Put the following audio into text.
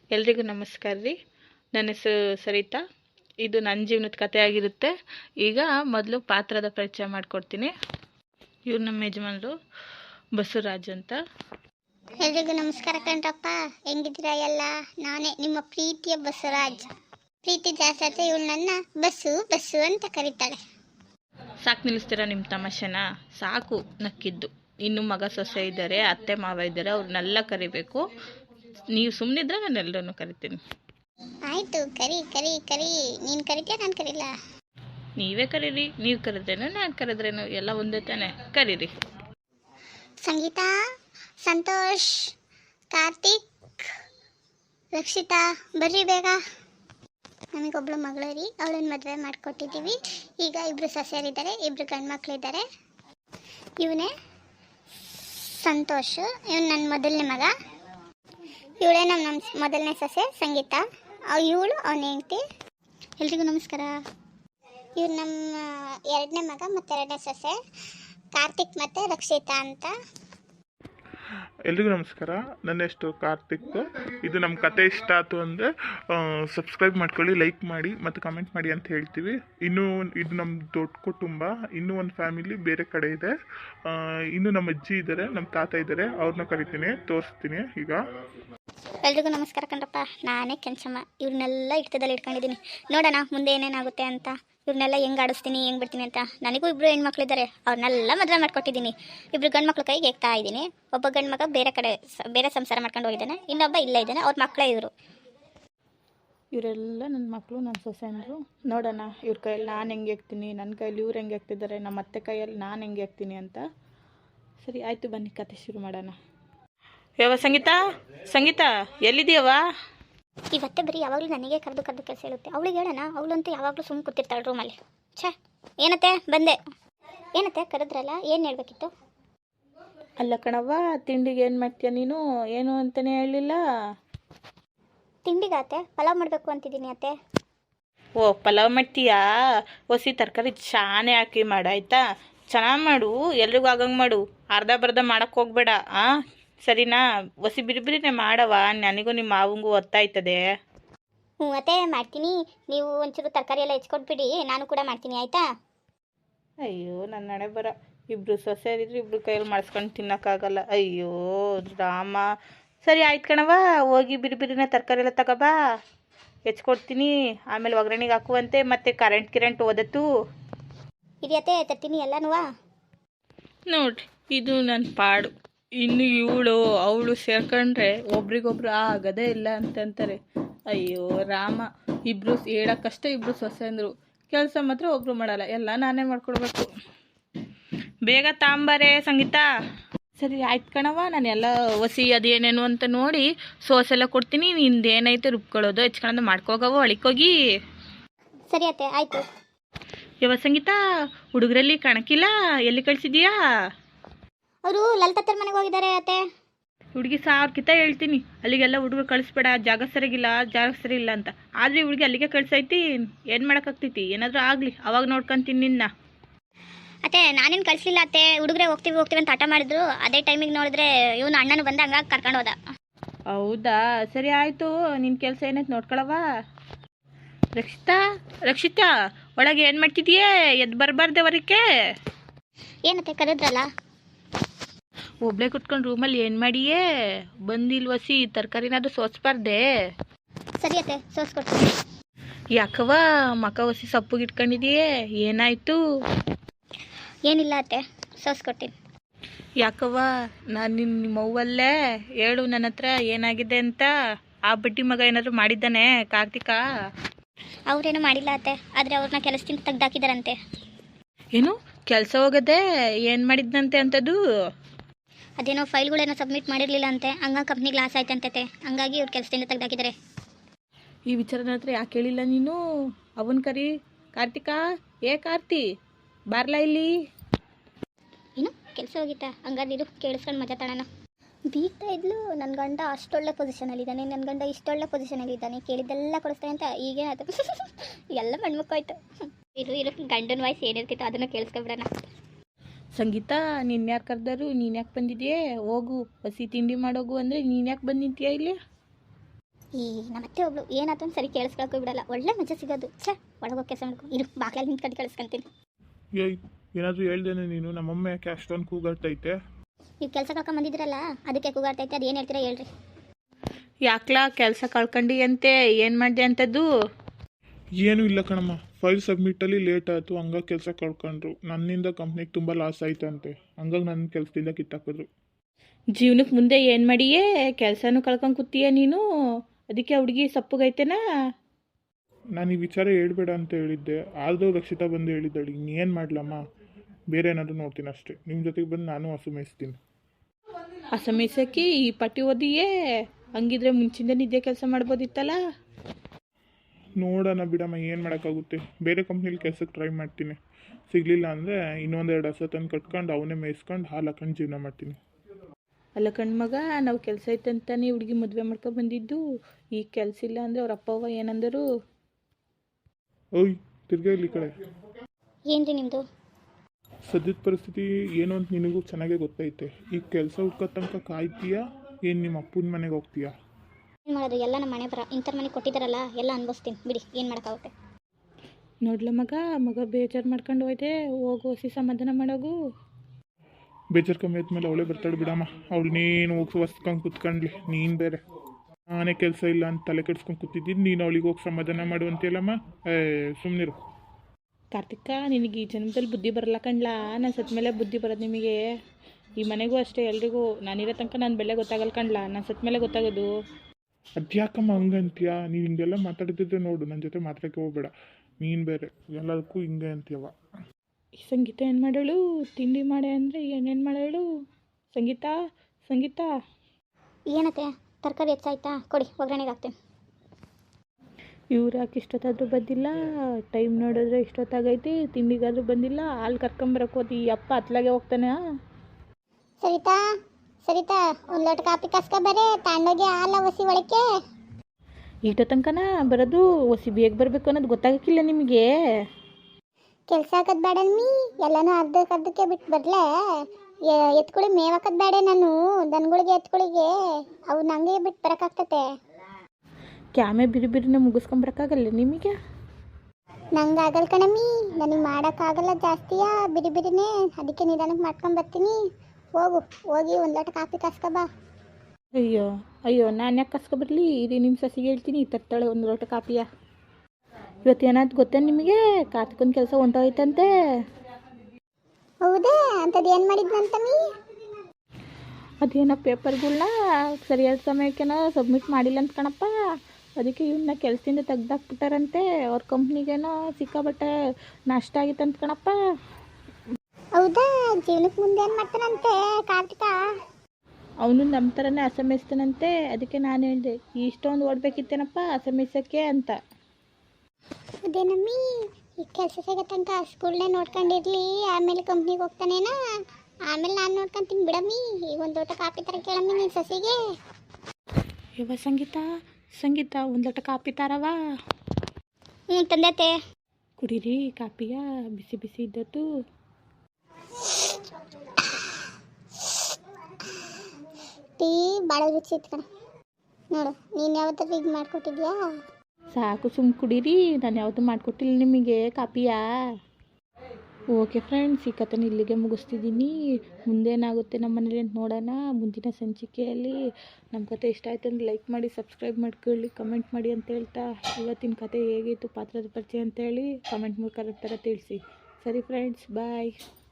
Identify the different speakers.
Speaker 1: ಎಲ್ರಿಗೂ ನಮಸ್ಕಾರ ರೀ. ನನ್ನ ಹೆಸರು ಸರಿತಾ. ಇದು ನನ್ನ ಜೀವನದ ಕಥೆ ಆಗಿರುತ್ತೆ. ಈಗ ಮೊದಲು ಪಾತ್ರದ ಪರಿಚಯ ಮಾಡಿಕೊಡ್ತೀನಿ. ಇವ್ರು ನಮ್ಮ ಯಜಮಾನರು ಬಸವರಾಜ್ ಅಂತ.
Speaker 2: ಎಲ್ರಿಗೂ ನಮಸ್ಕಾರ ಕಣ್ರಪ್ಪ, ಹೆಂಗಿದ್ದೀರಾ ಎಲ್ಲ? ನಾನೇ ನಿಮ್ಮ ಪ್ರೀತಿಯ ಬಸವರಾಜ್. ಪ್ರೀತಿ ಜಾಸ್ತಿ ಆಯ್ತು, ಇವಳು ನನ್ನ ಬಸ್ಸು ಬಸ್ಸು ಅಂತ ಕರೀತಾಳೆ.
Speaker 1: ಸಾಕು ನಿಲ್ಲಿಸ್ತೀರಾ ನಿಮ್ಮ ತಮಾಷೆನ? ಸಾಕು ನಕ್ಕಿದ್ದು. ಇನ್ನು ಮಗ ಸೊಸೆ ಇದ್ದಾರೆ, ಅತ್ತೆ ಮಾವ ಇದ್ದಾರೆ, ಅವ್ರನ್ನೆಲ್ಲ ಕರಿಬೇಕು. ನೀವು ಸುಮ್ಮನಿದ್ರೆ ನಾನು ಎಲ್ಲರನ್ನು ಕರಿತೀನಿ.
Speaker 2: ಆಯ್ತು, ಕರಿ ಕರಿ ಕರಿ. ನೀನು ಕರಿತೀಯ, ನಾನು ಕರೀಲ್ಲ?
Speaker 1: ನೀವೇ ಕರೀರಿ. ನೀವು ಕರೆದ್ರೇನು ನಾನು ಕರೆದ್ರೇನು ಎಲ್ಲ ಒಂದೇ ತಾನೆ, ಕರೀರಿ.
Speaker 2: ಸಂಗೀತಾ, ಸಂತೋಷ್, ಕಾರ್ತಿಕ್, ರಕ್ಷಿತಾ, ಬರ್ರಿ ಬೇಗ. ನಮಗೊಬ್ಳು ಮಗಳು ರೀ, ಅವಳನ್ನ ಮದುವೆ ಮಾಡಿಕೊಟ್ಟಿದ್ದೀವಿ. ಈಗ ಇಬ್ಬರು ಸೊಸೆಯರಿದ್ದಾರೆ, ಇಬ್ಬರು ಗಂಡು ಮಕ್ಕಳಿದ್ದಾರೆ. ಇವನೇ ಸಂತೋಷ್, ಇವನು ನನ್ನ ಮೊದಲನೇ ಮಗ. ಇವಳೇ ನಮ್ಮ ಮೊದಲನೇ ಸೊಸೆ ಸಂಗೀತ. ಇವಳು ಅವನ ಹೆಂಡತಿ. ಎಲ್ರಿಗೂ ನಮಸ್ಕಾರ. ಇವ್ರು ನಮ್ಮ ಎರಡನೇ ಮಗ ಮತ್ತು ಎರಡನೇ ಸೊಸೆ ಕಾರ್ತಿಕ್ ಮತ್ತು ರಕ್ಷಿತಾ ಅಂತ.
Speaker 3: ಎಲ್ರಿಗೂ ನಮಸ್ಕಾರ. ನನ್ನ ಹೆಸರು ಕಾರ್ತಿಕ್. ಇದು ನಮ್ಮ ಕತೆ ಇಷ್ಟ ಆಯಿತು ಅಂದರೆ ಸಬ್ಸ್ಕ್ರೈಬ್ ಮಾಡ್ಕೊಳ್ಳಿ, ಲೈಕ್ ಮಾಡಿ ಮತ್ತು ಕಮೆಂಟ್ ಮಾಡಿ ಅಂತ ಹೇಳ್ತೀವಿ. ಇನ್ನೂ ಇದು ನಮ್ಮ ದೊಡ್ಡ ಕುಟುಂಬ. ಇನ್ನೂ ಒಂದು ಫ್ಯಾಮಿಲಿ ಬೇರೆ ಕಡೆ ಇದೆ. ಇನ್ನೂ ನಮ್ಮ ಅಜ್ಜಿ ಇದ್ದಾರೆ, ನಮ್ಮ ತಾತ ಇದ್ದಾರೆ, ಅವ್ರನ್ನ ಕರಿತೀನಿ, ತೋರಿಸ್ತೀನಿ ಈಗ.
Speaker 2: ಎಲ್ರಿಗೂ ನಮಸ್ಕಾರ ಕಣ್ರಪ್ಪ, ನಾನೇ ಕೆಂಚಮ್ಮ. ಇವ್ರನ್ನೆಲ್ಲ ಇಡ್ತದಲ್ಲಿ ಇಟ್ಕೊಂಡಿದ್ದೀನಿ. ನೋಡೋಣ ಮುಂದೆ ಏನೇನಾಗುತ್ತೆ ಅಂತ. ಇವ್ರನ್ನೆಲ್ಲ ಹೆಂಗೆ ಆಡಿಸ್ತೀನಿ, ಹೆಂಗೆ ಬಿಡ್ತೀನಿ ಅಂತ. ನನಗೂ ಇಬ್ಬರು ಹೆಣ್ಮಕ್ಳಿದ್ದಾರೆ, ಅವ್ರನ್ನೆಲ್ಲ ಮದುವೆ ಮಾಡ್ಕೊಟ್ಟಿದ್ದೀನಿ. ಇಬ್ಬರು ಗಂಡು ಮಕ್ಳು ಕೈಗೆ ಏಗ್ತಾ ಇದ್ದೀನಿ. ಒಬ್ಬ ಗಂಡು ಮಗ ಬೇರೆ ಕಡೆ ಬೇರೆ ಸಂಸಾರ ಮಾಡ್ಕೊಂಡು ಹೋಗಿದ್ದಾನೆ, ಇನ್ನೊಬ್ಬ ಇಲ್ಲೇ ಇದ್ದಾನೆ. ಅವ್ರ ಮಕ್ಕಳೇ ಇವರು.
Speaker 1: ಇವರೆಲ್ಲ ನನ್ನ ಮಕ್ಕಳು, ನನ್ನ ಸೊಸೆಂದರು. ನೋಡೋಣ ಇವ್ರ ಕೈಯಲ್ಲಿ ನಾನು ಹೆಂಗೆ ಹಾಕ್ತೀನಿ, ನನ್ನ ಕೈಯಲ್ಲಿ ಇವ್ರು ಹೆಂಗೆ ಹಾಕ್ತಿದ್ದಾರೆ, ನಮ್ಮ ಅತ್ತೆ ಕೈಯಲ್ಲಿ ನಾನು ಹೆಂಗೆ ಹಾಕ್ತೀನಿ ಅಂತ. ಸರಿ ಆಯಿತು, ಬನ್ನಿ ಕತೆ ಶುರು ಮಾಡೋಣ. ಯಾವ ಸಂಗೀತ, ಸಂಗೀತ ಎಲ್ಲಿದೆಯವ?
Speaker 2: ಇವತ್ತೇ ಬರೀ ಯಾವಾಗಲೂ ನನಗೆ ಕರೆದು ಕೆಲಸ ಹೇಳುತ್ತೆ. ಅವಳಿಗೆ ಹೇಳೋಣ, ಅವಳಂತೂ ಯಾವಾಗಲೂ ಸುಮ್ಮನೆ ಕೂತಿರ್ತಾಳೆ ರೂಮಲ್ಲಿ. ಛೇ, ಏನತ್ತೆ ಬಂದೆ? ಏನತ್ತೆ ಕರೆದ್ರಲ್ಲ, ಏನು ಹೇಳ್ಬೇಕಿತ್ತು?
Speaker 1: ಅಲ್ಲ ಕಣವ್ವ, ತಿಂಡಿಗೆ ಏನು ಮಾಡ್ತೀಯ ನೀನು? ಏನು ಅಂತಲೇ ಹೇಳಲಿಲ್ಲ.
Speaker 2: ತಿಂಡಿಗಾತೆ ಪಲಾವ್ ಮಾಡಬೇಕು ಅಂತಿದ್ದೀನಿ ಅತ್ತೆ.
Speaker 1: ಓ, ಪಲಾವ್ ಮಾಡ್ತೀಯಾ? ಹೊಸಿ ತರಕಾರಿ ಶಾನೆ ಹಾಕಿ ಮಾಡು ಆಯಿತಾ? ಚೆನ್ನಾಗಿ ಮಾಡು, ಎಲ್ರಿಗೂ ಆಗಂಗೆ ಮಾಡು. ಅರ್ಧ ಬರ್ಧ ಮಾಡೋಕ್ಕೆ ಹೋಗ್ಬೇಡ. ಸರಿನಾ? ಹೊಸಿ ಬಿರಿಬಿರಿನೇ ಮಾಡವ, ನನಗೂ ನಿಮ್ಮ ಮಾವಂಗೂ ಒತ್ತಾಯ್ತದೆ.
Speaker 2: ಹ್ಞೂ ಅತ್ತೆ, ಮಾಡ್ತೀನಿ. ನೀವು ಒಂಚೂರು ತರಕಾರಿ ಎಲ್ಲ ಹೆಚ್ಕೊಟ್ಬಿಡಿ, ನಾನು ಕೂಡ ಮಾಡ್ತೀನಿ ಆಯಿತಾ?
Speaker 1: ಅಯ್ಯೋ ನನ್ನ ಹಣೆ ಬರ. ಇಬ್ಬರು ಸೊಸೆಯರಿದ್ರೆ ಇಬ್ಬರು ಕೈಯಲ್ಲಿ ಮಾಡಿಸ್ಕೊಂಡು ತಿನ್ನೋಕ್ಕಾಗಲ್ಲ. ಅಯ್ಯೋ ರಾಮ. ಸರಿ ಆಯ್ತು ಕಣವ, ಹೋಗಿ ಬಿರಿಬಿರಿನ ತರಕಾರಿ ಎಲ್ಲ ತಗೋಬಾ, ಹೆಚ್ಕೊಡ್ತೀನಿ. ಆಮೇಲೆ ಒಗ್ಗರಣೆಗೆ ಹಾಕುವಂತೆ, ಮತ್ತು ಕರೆಂಟ್ ಓದತ್ತು
Speaker 2: ಇದೆಯತ್ತೆ, ತರ್ತೀನಿ ಎಲ್ಲನೂ.
Speaker 1: ನೋಡ್ರಿ, ಇದು ನನ್ನ ಪಾಡು. ಇನ್ನು ಇವಳು ಅವಳು ಸೇರ್ಕೊಂಡ್ರೆ ಒಬ್ರಿಗೊಬ್ರು ಆಗದೇ ಇಲ್ಲ ಅಂತಂತಾರೆ. ಅಯ್ಯೋ ರಾಮ. ಇಬ್ಬರು ಹೇಳೋಕ್ಕಷ್ಟೇ ಇಬ್ಬರು ಸೊಸೆ ಅಂದರು, ಕೆಲಸ ಮಾತ್ರ ಒಬ್ಬರು ಮಾಡಲ್ಲ, ಎಲ್ಲ ನಾನೇ ಮಾಡ್ಕೊಡ್ಬೇಕು. ಬೇಗ ತಾಂಬಾರೆ ಸಂಗೀತ. ಸರಿ ಆಯ್ತು ಕಣವ, ನಾನು ಎಲ್ಲ ಹೊಸಿ ಅದೇನೇನು ಅಂತ ನೋಡಿ ಸೋಸೆಲ್ಲ ಕೊಡ್ತೀನಿ. ನಿಂದೇನೈತೆ ರುಬ್ಕೊಳ್ಳೋದು ಹೆಚ್ಕೊಳ್ಳೋದು ಮಾಡ್ಕೋಗವು, ಅಳಿಕೋಗಿ.
Speaker 2: ಸರಿ ಅತ್ತೆ, ಆಯಿತು.
Speaker 1: ಯಾವ ಸಂಗೀತ, ಹುಡುಗರಲ್ಲಿ ಕಣಕಿಲ್ಲ, ಎಲ್ಲಿ ಕಳಿಸಿದ್ಯಾ?
Speaker 2: ಅವರು ಲಲಿತತ್ತರ ಮನೆಗೆ ಹೋಗಿದ್ದಾರೆ ಅತ್ತೆ.
Speaker 1: ಹುಡುಗಿ 1000 ಕಿತ ಹೇಳ್ತೀನಿ, ಅಲ್ಲಿಗೆಲ್ಲ ಹುಡುಗರು ಕಳಿಸ್ಬೇಡ, ಜಾಗ ಸರಿ ಇಲ್ಲ ಅಂತ. ಆದರೆ ಹುಡುಗಿ ಅಲ್ಲಿಗೆ ಕಳ್ಸೈತಿ, ಏನು ಮಾಡೋಕ್ಕಾಗ್ತೈತಿ? ಏನಾದರೂ ಆಗಲಿ, ಅವಾಗ ನೋಡ್ಕೊಂತೀನಿ ನಿನ್ನ.
Speaker 2: ಅತ್ತೆ ನಾನೇನು ಕಳಿಸ್ಲಿಲ್ಲ ಅತ್ತೆ. ಹುಡುಗರೇ ಹೋಗ್ತೀವಿ ಅಂತ ಹಠ ಮಾಡಿದ್ರು. ಅದೇ ಟೈಮಿಗೆ ನೋಡಿದ್ರೆ ಇವನು ಅಣ್ಣನು ಬಂದ, ಹಂಗಾಗಿ ಕರ್ಕೊಂಡು ಹೋದ.
Speaker 1: ಹೌದಾ? ಸರಿ ಆಯಿತು, ನಿನ್ನ ಕೆಲಸ ಏನೈತೆ ನೋಡ್ಕೊಳವ. ರಕ್ಷಿತಾ ಒಳಗೆ ಏನು ಮಾಡ್ತಿದೀಯೇ? ಎದ್ದು ಬರಬಾರ್ದೆ ಹೊರಕ್ಕೆ?
Speaker 2: ಏನತ್ತೆ ಕರೆದ್ರಲ್ಲ?
Speaker 1: ಒಬ್ಳೆ ಕುತ್ಕೊಂಡು ರೂಮಲ್ಲಿ ಏನು ಮಾಡಿಯೇ? ಬಂದಿಲ್ವಸಿ, ತರಕಾರಿನಾದ್ರೂ ಸೋಸ್ಬಾರ್ದೆ?
Speaker 2: ಸರಿ ಅತ್ತೆ, ಸೋಸ್ಕೊಡ್ತೀನಿ.
Speaker 1: ಯಾಕವ ಮಕ ಹೊಸಿ ಸಪ್ಪುಗೆ ಇಟ್ಕೊಂಡಿದೀಯೇ? ಏನಾಯಿತು?
Speaker 2: ಏನಿಲ್ಲ ಅತ್ತೆ, ಸೋಸ್ಕೊಡ್ತೀನಿ.
Speaker 1: ಯಾಕವ್ವ, ನಾನು ನಿಮ್ಮವ್ವಲ್ಲೇ ಹೇಳು ನನ್ನ ಹತ್ರ ಏನಾಗಿದೆ ಅಂತ. ಆ ಬಡ್ಡಿ ಮಗ ಏನಾದರೂ ಮಾಡಿದ್ದಾನೆ ಕಾರ್ತಿಕ?
Speaker 2: ಅವ್ರೇನು ಮಾಡಿಲ್ಲ ಅತ್ತೆ, ಆದರೆ ಅವ್ರನ್ನ ಕೆಲಸದಿಂದ ತೆಗ್ದಾಕಿದಾರಂತೆ.
Speaker 1: ಏನು ಕೆಲಸ ಹೋಗದೆ? ಏನು ಮಾಡಿದ್ದಂತೆ ಅಂಥದ್ದು?
Speaker 2: ಅದೇನೋ ಫೈಲ್ಗಳೇನೋ ಸಬ್ಮಿಟ್ ಮಾಡಿರಲಿಲ್ಲ ಅಂತೆ, ಹಂಗಾಗಿ ಕಂಪ್ನಿಗೆ ಲಾಸ್ ಆಯ್ತಂತೆ. ಹಂಗಾಗಿ ಇವ್ರು ಕೆಲಸದಿಂದ ತೆಗ್ದಾಕಿದ್ದಾರೆ.
Speaker 1: ಈ ವಿಚಾರನ ಹತ್ರ ಯಾಕೆ ಹೇಳಿಲ್ಲ ನೀನು? ಅವನ್ ಕರಿ. ಕಾರ್ತಿಕ, ಕಾರ್ತಿ ಬಾರ್ಲಾ ಇಲ್ಲಿ.
Speaker 2: ಏನು ಕೆಲಸ ಹೋಗಿತ್ತಾ? ಹಂಗಾದ್ರೆ ಇದು ಕೇಳಿಸ್ಕೊಂಡು ಮಜಾ ತಗೋಣ. ಬೀಗ್ತಾ ಇದ್ಲು, ನನ್ನ ಗಂಡ ಅಷ್ಟೊಳ್ಳೆ ಪೊಸಿಷನಲ್ಲಿದ್ದಾನೆ, ನನ್ನ ಗಂಡ ಇಷ್ಟೊಳ್ಳೆ ಪೊಸಿಷನಲ್ಲಿದ್ದಾನೆ, ಕೇಳಿದ್ದೆಲ್ಲ ಕೊಡಿಸ್ತಾನೆ ಅಂತ. ಈಗೇನಾಯ್ತು? ಎಲ್ಲ ಮಣ್ಮಕ್ಕಾಯ್ತು. ಇರು ಗಂಡನ ವಾಯ್ಸ್ ಏನಿರ್ತಿತ್ತು ಅದನ್ನು ಕೇಳಿಸ್ಕೊಬಿಡೋಣ.
Speaker 1: ಸಂಗೀತ, ನಿನ್ನ ಯಾರು ಕರೆದರು? ನೀನು ಯಾಕೆ ಬಂದಿದೆಯೇ? ಹೋಗು, ಹಸಿ ತಿಂಡಿ ಮಾಡೋಗು ಅಂದರೆ ನೀನು ಯಾಕೆ ಬಂದು ನಿಂತೀಯ ಇಲ್ಲಿ?
Speaker 2: ಈ ನಮ್ಮತ್ತೆ ಒಬ್ಳು ಏನಾಯ್ತು ಅಂತ ಸರಿ ಕೇಳಿಸ್ಕೊಳಕ್ಕೂ ಬಿಡಲ್ಲ. ಒಳ್ಳೆ ಮಜಾ ಸಿಗೋದು. ಒಳಗೋಗಿ ಕೆಲಸ ಮಾಡ್ಕೊ ಇರು, ಬಾಗ್ಲಲ್ಲಿ ನಿಂತ್ಕೊಂಡು ಕೇಳಿಸ್ಕೊಂತೀನಿ.
Speaker 3: ಏಯ್ ಏನಾದರೂ ಹೇಳ್ದೇನೆ ನೀನು? ನಮ್ಮಮ್ಮ ಯಾಕೆ ಅಷ್ಟೊಂದು ಕೂಗಾಡ್ತೈತೆ?
Speaker 2: ನೀವು ಕೆಲಸ ಕಳ್ಕೊಂಡ್ ಬಂದಿದ್ದೀರಲ್ಲ ಅದಕ್ಕೆ ಕೂಗಾಡ್ತೈತೆ. ಅದು ಏನು ಹೇಳ್ತೀರಾ ಹೇಳ್ರಿ.
Speaker 1: ಯಾಕ್ಲಾ ಕೆಲಸ ಕಳ್ಕೊಂಡಿ ಅಂತೆ? ಏನು ಮಾಡಿದೆ ಅಂಥದ್ದು?
Speaker 3: ಏನೂ ಇಲ್ಲ ಕಣಮ್ಮ, ಫೈಲ್ ಸಬ್ಮಿಟಲ್ಲಿ ಲೇಟ್ ಆಯಿತು, ಹಂಗಾಗಿ ಕೆಲಸ ಕಳ್ಕೊಂಡ್ರು. ನನ್ನಿಂದ ಕಂಪ್ನಿಗೆ ತುಂಬ ಲಾಸ್ ಆಯ್ತಂತೆ, ಹಂಗಾಗಿ ನನ್ನ ಕೆಲಸದಿಂದ ಕಿತ್ತಾಕಿದ್ರು.
Speaker 1: ಜೀವನಕ್ಕೆ ಮುಂದೆ ಏನು ಮಾಡಿಯೇ? ಕೆಲಸನೂ ಕಳ್ಕೊಂಡು ಕೂತೀಯ ನೀನು? ಅದಕ್ಕೆ ಹುಡುಗಿ ಸಪ್ಪಗೈತೆನಾ?
Speaker 3: ನಾನು ಈ ವಿಚಾರ ಹೇಳ್ಬೇಡ ಅಂತ ಹೇಳಿದ್ದೆ, ಆದರೂ ರಕ್ಷಿತಾ ಬಂದು ಹೇಳಿದ್ದಾಳೆ. ಇನ್ನೇನು ಮಾಡಲಮ್ಮ, ಬೇರೆ ಏನಾದರೂ ನೋಡ್ತೀನಿ ಅಷ್ಟೇ. ನಿಮ್ಮ ಜೊತೆಗೆ ಬಂದು ನಾನು ಹಸು ಮೇಯಿಸ್ತೀನಿ.
Speaker 1: ಹಸ ಮೇಯ್ಸೋಕ್ಕೆ ಈ ಪಟ್ಟಿ ಓದಿಯೇ? ಹಂಗಿದ್ರೆ ಮುಂಚಿಂದ ನಿದ್ದೆ ಕೆಲಸ ಮಾಡ್ಬೋದಿತ್ತಲ್ಲ.
Speaker 3: ನೋಡೋಣ ಬಿಡಮ್ಮ, ಏನು ಮಾಡೋಕ್ಕಾಗುತ್ತೆ. ಬೇರೆ ಕಂಪ್ನಿಲಿ ಕೆಲಸಕ್ಕೆ ಟ್ರೈ ಮಾಡ್ತೀನಿ. ಸಿಗಲಿಲ್ಲ ಅಂದರೆ ಇನ್ನೊಂದೆರಡು ಹಸು ತಂದು ಕಟ್ಕೊಂಡು ಅವನ್ನೇ ಮೇಯಿಸ್ಕೊಂಡು ಹಾಲು ಹಾಕೊಂಡು ಜೀವನ ಮಾಡ್ತೀನಿ.
Speaker 1: ಅಲ್ಲ ಕಣ್ಮಗ, ನಾವು ಕೆಲಸ ಐತಂತಾನೆ ಹುಡುಗಿ ಮದುವೆ ಮಾಡ್ಕೊಂಡು ಬಂದಿದ್ದು. ಈಗ ಕೆಲಸ ಇಲ್ಲ ಅಂದರೆ ಅವ್ರ ಅಪ್ಪ ಅವ್ವ ಏನಂದರು?
Speaker 3: ಓಯ್ ತಿರ್ಗಾ ಇಲ್ಲಿ ಕಡೆ.
Speaker 2: ಏನು ರೀ ನಿಮ್ಮದು?
Speaker 3: ಸದ್ಯದ ಪರಿಸ್ಥಿತಿ ಏನು ಅಂತ ನಿನಗೂ ಚೆನ್ನಾಗೇ ಗೊತ್ತೈತೆ. ಈಗ ಕೆಲಸ ಹುಡ್ಕೋ ತನಕ ಕಾಯ್ತೀಯಾ, ಏನು ನಿಮ್ಮ ಅಪ್ಪನ ಮನೆಗೆ ಹೋಗ್ತೀಯಾ?
Speaker 2: ಏನು ಮಾಡೋದು, ಎಲ್ಲ ನಮ್ಮ ಮನೆ ಬರ ಇಂಥರ ಮನೆ ಕೊಟ್ಟಿದ್ದಾರಲ್ಲ, ಎಲ್ಲ ಅನ್ಭವಿಸ್ತೀನಿ ಬಿಡಿ. ಏನು ಮಾಡೋಕ್ಕಾಗುತ್ತೆ?
Speaker 1: ನೋಡ್ಲ ಮಗ ಬೇಜಾರು ಮಾಡ್ಕೊಂಡು ಹೋಯ್ತೆ. ಹೋಗು, ಹಸಿ ಸಮಾಧಾನ ಮಾಡೋಗು.
Speaker 3: ಬೇಜಾರು ಕಮ್ಮಿ ಆದ್ಮೇಲೆ ಅವಳೇ ಬರ್ತಾಳೆ ಬಿಡಮ್ಮ. ಅವಳು ನೀನು ಹೋಗಿ ಹೊಸ್ಕೊಂಡು ಕೂತ್ಕೊಂಡ್ಲಿ. ನೀನು ಬೇರೆ ನಾನೇ ಕೆಲಸ ಇಲ್ಲ ಅಂತ ತಲೆ ಕೆಡ್ಸ್ಕೊಂಡು ಕೂತಿದ್ದೀನಿ, ನೀನು ಅವಳಿಗೆ ಹೋಗಿ ಸಮಾಧಾನ ಮಾಡುವಂತಿಲ್ಲಮ್ಮ. ಸುಮ್ಮನಿರು.
Speaker 1: ಕಾರ್ತಿಕ, ನಿನಗೆ ಈ ಜನ್ಮದಲ್ಲಿ ಬುದ್ಧಿ ಬರಲ್ಲ ಕಣ್ಲಾ. ನಾನು ಸತ್ತ ಮೇಲೆ ಬುದ್ಧಿ ಬರೋದು ನಿಮಗೆ. ಈ ಮನೆಗೂ ಅಷ್ಟೇ, ಎಲ್ರಿಗೂ. ನಾನಿರೋ ತನಕ ನನ್ನ ಬೆಲೆ ಗೊತ್ತಾಗಲ್ಲ ಕಣ್ಲಾ, ನಾನು ಸತ್ತ ಮೇಲೆ ಗೊತ್ತಾಗೋದು.
Speaker 3: ಅದ್ಯಾಕಮ್ಮ ಹಂಗಂತೀಯ? ನೀನು ಹಿಂಗೆಲ್ಲ ಮಾತಾಡ್ತಿದ್ದೆ ನೋಡು, ನನ್ನ ಜೊತೆ ಮಾತಾಡೋಕ್ಕೆ ಹೋಗ್ಬೇಡ. ನೀನು ಬೇರೆ ಎಲ್ಲದಕ್ಕೂ ಹಿಂಗೆ ಅಂತೀಯವ.
Speaker 1: ಈ ಸಂಗೀತ ಏನು ಮಾಡೋಳು? ತಿಂಡಿ ಮಾಡೆ ಅಂದರೆ ಏನೇನು ಮಾಡೋಳು? ಸಂಗೀತ
Speaker 2: ಏನತ್ತೆ, ತರಕಾರಿ ಹೆಚ್ಚಾಯ್ತಾ? ಕೊಡಿ, ಒಗ್ಗರಣೆಗೆ ಹಾಕ್ತೇನೆ.
Speaker 1: ಇವ್ರು ಯಾಕೆ ಇಷ್ಟೊತ್ತಾದರೂ ಬಂದಿಲ್ಲ? ಟೈಮ್ ನೋಡಿದ್ರೆ ಇಷ್ಟೊತ್ತಾಗೈತಿ, ತಿಂಡಿಗಾದರೂ ಬಂದಿಲ್ಲ. ಹಾಲು ಕರ್ಕೊಂಬರಕ್ಕೆ ಹೋದಿ, ಈ ಅಪ್ಪ ಹತ್ಲಾಗೆ ಹೋಗ್ತಾನೆ.
Speaker 2: ಸರಿತಾ ಒಂದು ಲೋಟ ಕಾಪಿ ಕಸ್ಕ ಬರೇ, ತಣ್ಣಗೆ ಹಾಲ ಒಸಿ ಒಳಕ್ಕೆ.
Speaker 1: ಈಟ ತನಕನ ಬರೋದು? ಒಸಿ ಬೇಗ ಬರಬೇಕು ಅನ್ನೋದು ಗೊತ್ತಾಗಕ್ಕಿಲ್ಲ ನಿಮಗೆ?
Speaker 2: ಕೆಲಸ ಹಾಕೋದು ಬೇಡ ಮೀ, ಎಲ್ಲನೂ ಅರ್ಧಕ್ಕೆ ಬಿಟ್ಟು ಬರಲೇ. ಎತ್ಕೊಳ್ಳಿ ಮೇವು ಹಾಕೋದು ಬೇಡ ನಾನು, ದನಗಳಿಗೆ ಎತ್ಕೊಳ್ಳಿಗೆ. ಅವು ನಂಗೆ ಬಿಟ್ಟು ಬರೋಕ್ಕಾಗ್ತತೆ?
Speaker 1: ಕ್ಯಾಮೆ ಬಿರಿನ ಮುಗಿಸ್ಕೊಂಬರಕ್ಕಾಗಲ್ಲ ನಿಮಗೆ?
Speaker 2: ನಂಗೆ ಆಗಲ್ಲ ಕಣಮ್ಮಿ, ನನಗೆ ಮಾಡೋಕ್ಕಾಗಲ್ಲ ಜಾಸ್ತಿಯಾ ಬಿರಿನೇ. ಅದಕ್ಕೆ ನಿಧಾನಕ್ಕೆ ಮಾಡ್ಕೊಂಡು ಬರ್ತೀನಿ. ಹೋಗಿ ಒಂದು ಲೋಟ ಕಾಫಿ ಕಸ್ಕೊ ಬಾ.
Speaker 1: ಅಯ್ಯೋ ನಾನು ಯಾಕೆ ಕಸ್ಕೊಬರ್ಲಿ? ಇದು ನಿಮ್ಮ ಸಸಿಗೆ ಹೇಳ್ತೀನಿ, ತರ್ತಾಳೆ ಒಂದು ಲೋಟ ಕಾಪಿಯ. ಇವತ್ತು ಏನಾದ್ರು ಗೊತ್ತೇನು ನಿಮಗೆ? ಕಾರ್ತಿಕನ ಕೆಲಸ ಹೊಂಟೋಯ್ತಂತೆ.
Speaker 2: ಹೌದಾ? ಅಂಥದ್ದು ಏನು ಮಾಡಿದ್ನಂತಮ್ಮಿ?
Speaker 1: ಅದೇನೋ ಪೇಪರ್ಗಳನ್ನ ಸರಿಯಾದ ಸಮಯಕ್ಕೇನೋ ಸಬ್ಮಿಟ್ ಮಾಡಿಲ್ಲ ಅಂತ ಕಣಪ್ಪ. ಅದಕ್ಕೆ ಇವನ್ನ ಕೆಲಸದಿಂದ ತೆಗ್ದಾಕ್ಬಿಟ್ಟಾರಂತೆ. ಅವ್ರ ಕಂಪ್ನಿಗೇನೋ ಸಿಕ್ಕಾಬಟ್ಟೆ ನಷ್ಟ ಆಗಿತ್ತಂತ ಕಣಪ್ಪ.
Speaker 2: ಹೌದಾ? ಜೀವನಕ್ಕೆ ಮುಂದೆ ಏನು ಮಾಡ್ತಾನಂತೆ ಕಾರ್ತಿಕ?
Speaker 1: ಅವನು ನಮ್ಮ ಥರನೇ ಅಸಮಿಸ್ತಾನಂತೆ. ಅದಕ್ಕೆ ನಾನು ಹೇಳಿದೆ, ಇಷ್ಟೊಂದು ಓಡಬೇಕಿತ್ತೇನಪ್ಪ ಅಸಮಿಸಕ್ಕೆ ಅಂತ.
Speaker 2: ಅದೇನಮ್ಮಿ, ಈ ಕೆಲಸ ಸಿಗೋ ತನಕ ಸ್ಕೂಲ್ನೇ ನೋಡ್ಕೊಂಡಿರ್ಲಿ, ಆಮೇಲೆ ಕಂಪ್ನಿಗೆ ಹೋಗ್ತಾನೇನಾ? ಆಮೇಲೆ ನಾನು ನೋಡ್ಕೊಂತೀನಿ ಬಿಡಮ್ಮಿ. ಈಗ ಒಂದು ಲೋಟ ಕಾಪಿ ಥರ ಕೇಳಮ್ಮಿ ನೀನು ಸಸಿಗೆ.
Speaker 1: ಯವ್ವ ಸಂಗೀತ ಒಂದು ಲೋಟ ಕಾಪಿ ತಾರವಾ?
Speaker 2: ತಂದೈತೆ.
Speaker 1: ಕುಡೀರಿ ಕಾಪಿಯ, ಬಿಸಿ ಬಿಸಿ ಇದ್ದದ್ದು.
Speaker 2: ಟೀ ಭಾಳ ರುಚಿ ಇತ್ತು ಕಣ. ನೋಡು, ನೀನು ಯಾವತ್ತಾದ್ರೂ ಈಗ ಮಾಡಿಕೊಟ್ಟಿದ್ಯಾ?
Speaker 1: ಸಾಕು, ಕುಡೀರಿ. ನಾನು ಯಾವತ್ತೂ ಮಾಡಿಕೊಟ್ಟಿಲ್ಲ ನಿಮಗೆ ಕಾಪಿಯ. ಓಕೆ ಫ್ರೆಂಡ್ಸ್, ಈ ಕಥೆನ ಇಲ್ಲಿಗೆ ಮುಗಿಸ್ತಿದ್ದೀನಿ. ಮುಂದೇನಾಗುತ್ತೆ ನಮ್ಮ ಮನೇಲಿ ಅಂತ ನೋಡೋಣ ಮುಂದಿನ ಸಂಚಿಕೆಯಲ್ಲಿ. ನಮ್ಮ ಕತೆ ಇಷ್ಟ ಆಯ್ತು ಅಂದರೆ ಲೈಕ್ ಮಾಡಿ, ಸಬ್ಸ್ಕ್ರೈಬ್ ಮಾಡ್ಕೊಳ್ಳಿ, ಕಮೆಂಟ್ ಮಾಡಿ ಅಂತ ಹೇಳ್ತಾ, ಇವತ್ತಿನ ಕತೆ ಹೇಗಿತ್ತು, ಪಾತ್ರದ ಪರಿಚಯ ಅಂತೇಳಿ ಕಮೆಂಟ್ ಮೂಲಕ ತಿಳಿಸಿ. ಸರಿ ಫ್ರೆಂಡ್ಸ್, ಬಾಯ್.